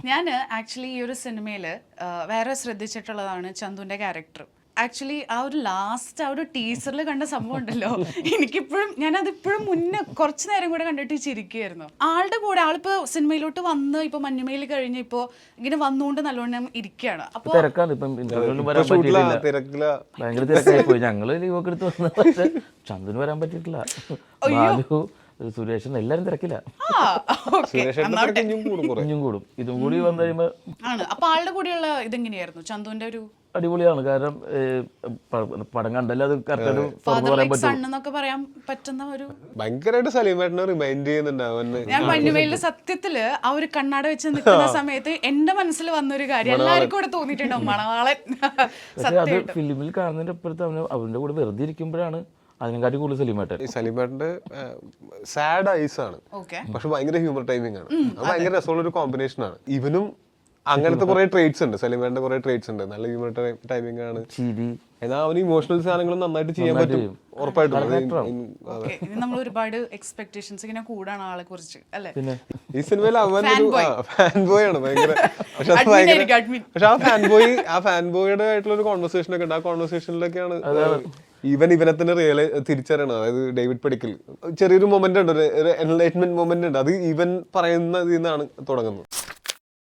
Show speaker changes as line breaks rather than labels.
ഞാൻ ആക്ച്വലി ഈ ഒരു സിനിമയിൽ വേറെ ശ്രദ്ധിച്ചിട്ടുള്ളതാണ് ചന്തുവിൻ്റെ ക്യാരക്ടർ. ആക്ച്വലി ആ ഒരു ലാസ്റ്റ് ആ ഒരു ടീസറിൽ കണ്ട സംഭവം ഉണ്ടല്ലോ, എനിക്കിപ്പോഴും ഞാനതിപ്പോഴും മുന്നേ കുറച്ച് നേരം കൂടെ കണ്ടിട്ട് ചിരിക്കുകയായിരുന്നു. ആളുടെ കൂടെ ആളിപ്പോൾ സിനിമയിലോട്ട് വന്ന് ഇപ്പോൾ മഞ്ഞുമയിൽ കഴിഞ്ഞ് ഇപ്പോൾ ഇങ്ങനെ വന്നുകൊണ്ട് നല്ലോണം ഇരിക്കുകയാണ്. അപ്പോൾ
ഭയങ്കര തിരക്കായി പോയി. ഞങ്ങള് ലീവൊക്കെ എടുത്ത് വന്ന, പക്ഷെ ചന്തുന് വരാൻ പറ്റിയിട്ടില്ല. സുരേഷൻ എല്ലാരും തിരക്കില്ല. ഇനിയും കൂടും. ഇതും കൂടി വന്നു കഴിയുമ്പോ
അപ്പൊ ആളുടെ കൂടെയുള്ള ഇതെങ്ങനെയായിരുന്നു ചന്തുവിന്റെ ഒരു?
അടിപൊളിയാണ്. കാരണം പടം കണ്ടല്ലോ, അത്
കറക്റ്റ് പറയാൻ പറ്റുന്ന ഒരു
ഭയങ്കരമായിട്ട് സലീമേട്ടനെ റിമൈൻഡ് ചെയ്യുന്നുണ്ട്.
ഞാൻ മഞ്ഞുമേലിന്റെ സത്യത്തില് ആ ഒരു കണ്ണാട വെച്ച് നിൽക്കുന്ന സമയത്ത് എന്റെ മനസ്സിൽ വന്നൊരു കാര്യം എല്ലാവർക്കും കൂടെ തോന്നിയിട്ടുണ്ടാവും, മണവാളൻ.
അത് ഫിലിമിൽ കാണുന്നതിന്റെ അപ്പുറത്ത് അവന്റെ കൂടെ വെറുതെ ഇരിക്കുമ്പോഴാണ് അതിനെക്കാട്ടി കൂടുതൽ
സലീമേട്ടന്റെ സാഡ് ഐസ് ആണ്, പക്ഷെ ഭയങ്കര ഹ്യൂമർ ടൈമിംഗ് ആണ്. അത് ഭയങ്കര രസമുള്ള ഒരു കോമ്പിനേഷൻ ആണ്. ഇവനും അങ്ങനത്തെ കുറെ ട്രേറ്റ്സ് ഉണ്ട്, സലീമേട്ടന്റെ കുറെ ട്രേറ്റ്സ് ഉണ്ട്. നല്ല ഹ്യൂമർ ടൈമിംഗ് ആണ്. എന്നാൽ അവന് ഇമോഷണൽ സാധനങ്ങളും നന്നായിട്ട് ചെയ്യാൻ പറ്റും, ഉറപ്പായിട്ടും.
നമ്മൾ ഒരുപാട് എക്സ്പെക്ടേഷൻസ് ഇങ്ങനെ കൂടാണ് ആളെ കുറിച്ച് അല്ലേ.
ഈ സിനിമയിൽ അവൻ ഫാൻ ബോയ് ആണ് ഭയങ്കര. പക്ഷെ ആ ഫാൻ ബോയുടെ ആയിട്ടുള്ള ഒരു കോൺവെർസേഷൻ ഒക്കെ ഉണ്ട്. ആ കോൺവെർസേഷനിലൊക്കെയാണ് ഇവനെ തന്നെ തിരിച്ചറിയണം. അതായത് ഡേവിഡ് പടിക്കൽ ചെറിയൊരു മൊമെന്റ് ഉണ്ട്, ഒരു എൻലൈറ്റ്മെന്റ് മൊമെന്റ് ഉണ്ട്. അത് ഇവൻ പറയുന്നതിൽ നിന്നാണ് തുടങ്ങുന്നത്.